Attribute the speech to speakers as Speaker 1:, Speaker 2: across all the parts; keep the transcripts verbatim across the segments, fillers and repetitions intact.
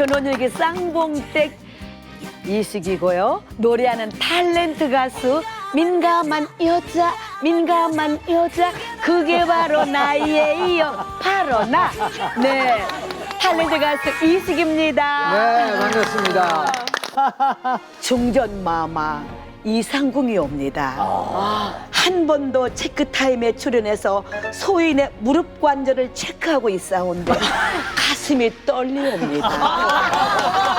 Speaker 1: 저는 여기 쌍봉댁 이식이고요. 노래하는 탤런트 가수 민감한 여자, 민감한 여자, 그게 바로 나예요. 바로 나. 네, 탤런트 가수 이식입니다.
Speaker 2: 네, 반갑습니다.
Speaker 1: 중전마마 이상궁이 옵니다. 한 번도 체크타임에 출연해서 소인의 무릎 관절을 체크하고 있사온데 가슴이 떨리옵니다.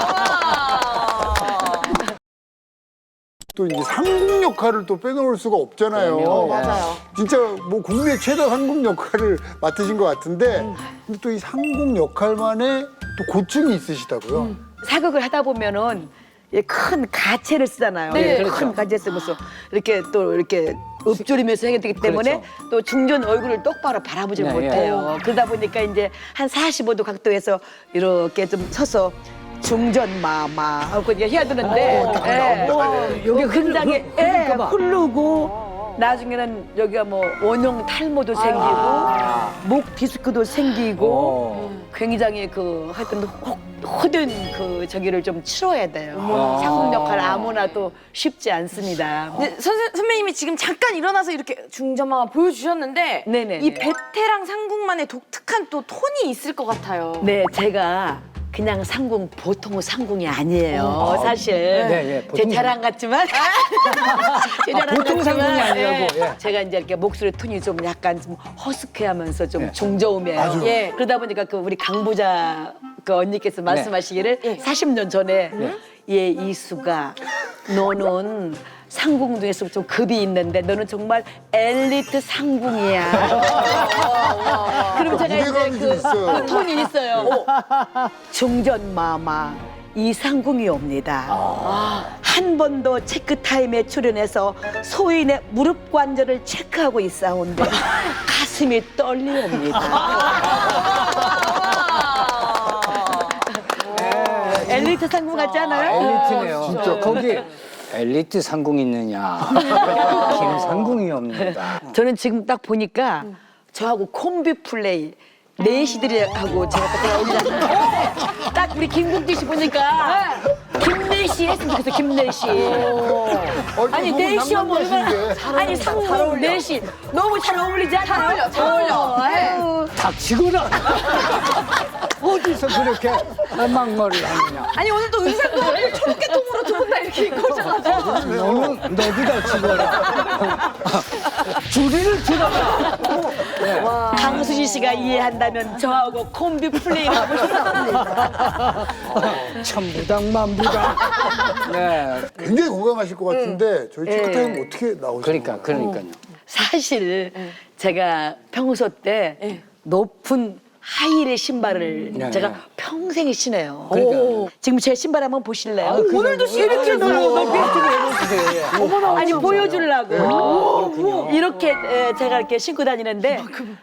Speaker 3: 또 이제 상궁 역할을 또 빼놓을 수가 없잖아요.
Speaker 2: 그럼요.
Speaker 4: 맞아요.
Speaker 3: 진짜 뭐 국내 최다 상궁 역할을 맡으신 것 같은데 근데 또 이 상궁 역할만의 또 고충이 있으시다고요?
Speaker 1: 사극을 하다 보면은 이 큰 가채를 쓰잖아요.
Speaker 4: 네,
Speaker 1: 큰
Speaker 2: 그렇죠.
Speaker 1: 가채 쓰면서 이렇게 또 이렇게 읊조리면서 해야 되기 때문에
Speaker 2: 그렇죠.
Speaker 1: 또 중전 얼굴을 똑바로 바라보지
Speaker 2: 네,
Speaker 1: 못해요. 그러다 보니까 이제 한 사십오 도 각도에서 이렇게 좀 서서 중전마마 하고 이렇게 해야 되는데 예. 여기 굉장히 예,
Speaker 2: 흐를까 봐.
Speaker 1: 흐르고 나중에는 여기가 뭐 원형 탈모도 생기고 목 디스크도 생기고
Speaker 2: 어.
Speaker 1: 굉장히 그 하여튼 혹- 허든 그 저기를 좀 치러야 돼요.
Speaker 2: 아.
Speaker 1: 상품 역할 아무나 또 쉽지 않습니다.
Speaker 4: 근데 선생, 선배님이 지금 잠깐 일어나서 이렇게 중전마마 보여주셨는데
Speaker 1: 네네네.
Speaker 4: 이 베테랑 상궁만의 독특한 또 톤이 있을 것 같아요.
Speaker 1: 네, 제가 그냥 상궁 보통 상궁이 아니에요. 사실
Speaker 2: 네, 예,
Speaker 1: 제
Speaker 2: 보통
Speaker 1: 자랑 같지만 제 자랑
Speaker 2: 보통
Speaker 1: 같지만,
Speaker 2: 상궁이 아니라고,
Speaker 1: 예.
Speaker 2: 예.
Speaker 1: 제가 이제 이렇게 목소리 톤이 좀 약간 좀 허스키하면서 좀
Speaker 2: 예.
Speaker 1: 중저음이에요. 예. 그러다 보니까 그 우리 강부자 그 언니께서 말씀하시기를 사십 년 전에 예 이수가 너는 상궁 중에서 좀 급이 있는데 너는 정말 엘리트 상궁이야. 그럼 제가
Speaker 3: 무게감이
Speaker 1: 이제
Speaker 3: 좀
Speaker 1: 그,
Speaker 3: 있어요.
Speaker 1: 그 톤이 있어요. 중전마마 이상궁이 옵니다. 한 번도 체크타임에 출연해서 소인의 무릎 관절을 체크하고 있사온데 가슴이 떨리옵니다. 엘리트 상궁 같지 않아요?
Speaker 2: 엘리트네요.
Speaker 3: 진짜.
Speaker 2: 거기 엘리트 상궁 있느냐? 김상궁이 없는다.
Speaker 1: 저는 지금 딱 보니까 저하고 콤비 플레이 내시들하고 제가 딱 어울리잖아요. 딱 우리 김국진 씨 보니까 김내시 했으면 좋겠어, 김내시. 아니 내시 하면 얼마나 아니 상무 내시 너무 잘 어울리지 않아요?
Speaker 4: 잘 어울려, 잘 어울려.
Speaker 1: 아유.
Speaker 2: 닥치거라. 어디서 그렇게 막말을 하느냐?
Speaker 4: 아니 오늘 또 의상도 초록계통으로 두 분 다 이렇게 입고 오셔가지고
Speaker 2: 너는 너도 닥치거라. 줄이를 들어라.
Speaker 1: 강수지 씨가 이해한다면 저하고 콤비 플레이 하고 싶습니다.
Speaker 2: 천부당만부당. 네.
Speaker 3: 굉장히 건강하실 것 같은데 저희 체크타임 어떻게 나오시나요?
Speaker 2: 그러니까 그러니까요.
Speaker 1: 사실 제가 평소 때 높은 하이힐 신발을
Speaker 2: 네.
Speaker 1: 제가 평생 신어요.
Speaker 2: 그러니까.
Speaker 1: 오. 지금 제 신발 한번 보실래요?
Speaker 2: 아, 그
Speaker 1: 오늘도
Speaker 2: 정도?
Speaker 1: 이렇게
Speaker 2: 아,
Speaker 1: 넓게 어머나 아니 보여주려고 이렇게 에, 제가 이렇게 신고 다니는데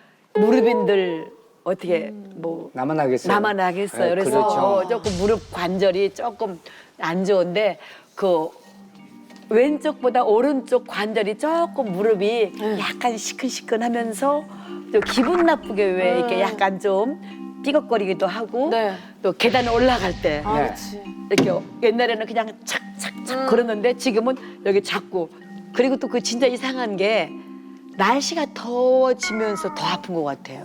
Speaker 1: 무릎인들 어떻게 뭐
Speaker 2: 나만 하겠어요.
Speaker 1: 나만 하겠어요.
Speaker 2: 네,
Speaker 1: 그래서
Speaker 2: 그렇죠.
Speaker 1: 어, 조금 무릎 관절이 조금 안 좋은데 그 왼쪽보다 오른쪽 관절이 조금 무릎이 약간 시큰시큰하면서 또 기분 나쁘게 왜 이렇게 약간 좀 삐걱거리기도 하고
Speaker 4: 네.
Speaker 1: 또 계단 올라갈 때
Speaker 4: 아,
Speaker 2: 네.
Speaker 4: 그렇지.
Speaker 1: 이렇게 옛날에는 그냥 착착착 걸었는데 지금은 여기 잡고 그리고 또 그 진짜 이상한 게 날씨가 더워지면서 더 아픈 것 같아요.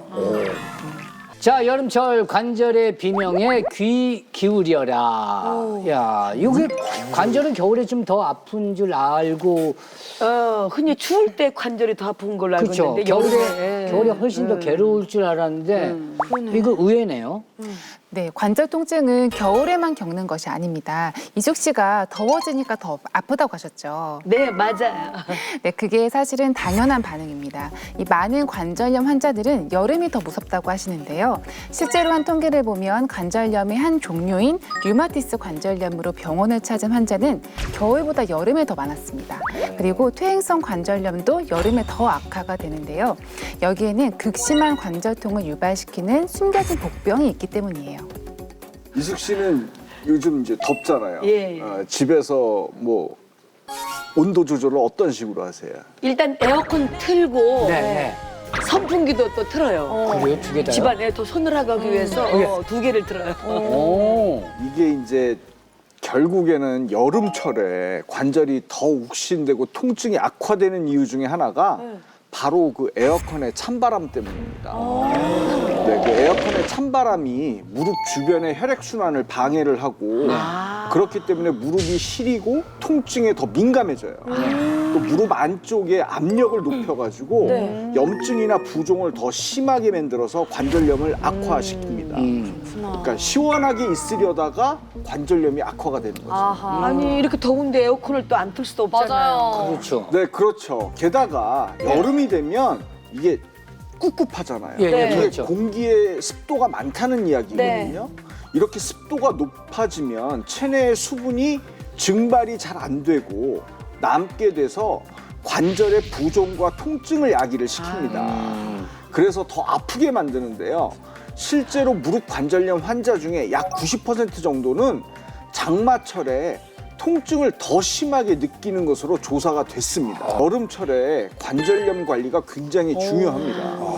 Speaker 2: 자, 여름철 관절의 비명에 귀 기울여라. 야, 이게 관절은 겨울에 좀 더 아픈 줄 알고,
Speaker 1: 어, 흔히 추울 때 관절이 더 아픈 걸로 알고
Speaker 2: 그렇죠.
Speaker 1: 있는데
Speaker 2: 겨울에
Speaker 1: 여름에
Speaker 2: 겨울에 훨씬 더 괴로울 줄 알았는데 이거 의외네요.
Speaker 5: 네, 관절 통증은 겨울에만 겪는 것이 아닙니다. 이숙 씨가 더워지니까 더 아프다고 하셨죠.
Speaker 1: 네 맞아요.
Speaker 5: 네, 그게 사실은 당연한 반응입니다. 이 많은 관절염 환자들은 여름이 더 무섭다고 하시는데요. 실제로 한 통계를 보면 관절염의 한 종류인 류마티스 관절염으로 병원을 찾은 환자는 겨울보다 여름에 더 많았습니다. 그리고 퇴행성 관절염도 여름에 더 악화가 되는데요. 여기에는 극심한 관절통을 유발시키는 숨겨진 복병이 있기 때문이에요.
Speaker 6: 이숙 씨는 요즘 이제 덥잖아요.
Speaker 1: 예.
Speaker 6: 어, 집에서 뭐 온도 조절을 어떤 식으로 하세요?
Speaker 1: 일단 에어컨 틀고
Speaker 2: 네, 네.
Speaker 1: 선풍기도 또 틀어요.
Speaker 2: 그래요? 두 개 다요?
Speaker 1: 집안에 더 서늘하게 위해서 어, 두 개를 틀어요.
Speaker 2: 오.
Speaker 6: 이게 이제 결국에는 여름철에 관절이 더 욱신되고 통증이 악화되는 이유 중에 하나가 바로 그 에어컨의 찬바람 때문입니다. 네, 그 에어컨의 찬바람이 무릎 주변의 혈액순환을 방해를 하고 그렇기 때문에 무릎이 시리고 통증에 더 민감해져요. 또 무릎 안쪽에 압력을 높여가지고
Speaker 4: 네.
Speaker 6: 염증이나 부종을 더 심하게 만들어서 관절염을 악화시킵니다.
Speaker 2: 음.
Speaker 6: 그러니까 시원하게 있으려다가 관절염이 악화가 되는 거죠.
Speaker 4: 아하.
Speaker 1: 아니 이렇게 더운데 에어컨을 또 안 틀 수도 없잖아요.
Speaker 4: 맞아요.
Speaker 2: 그렇죠.
Speaker 6: 네, 그렇죠. 게다가 여름이 되면 이게 꿉꿉하잖아요.
Speaker 2: 예, 예,
Speaker 6: 이게
Speaker 2: 그렇죠.
Speaker 6: 공기에 습도가 많다는 이야기거든요. 이렇게 습도가 높아지면 체내의 수분이 증발이 잘 안 되고 남게 돼서 관절의 부종과 통증을 야기를 시킵니다. 그래서 더 아프게 만드는데요. 실제로 무릎 관절염 환자 중에 약 구십 퍼센트 정도는 장마철에 통증을 더 심하게 느끼는 것으로 조사가 됐습니다. 여름철에 관절염 관리가 굉장히 중요합니다.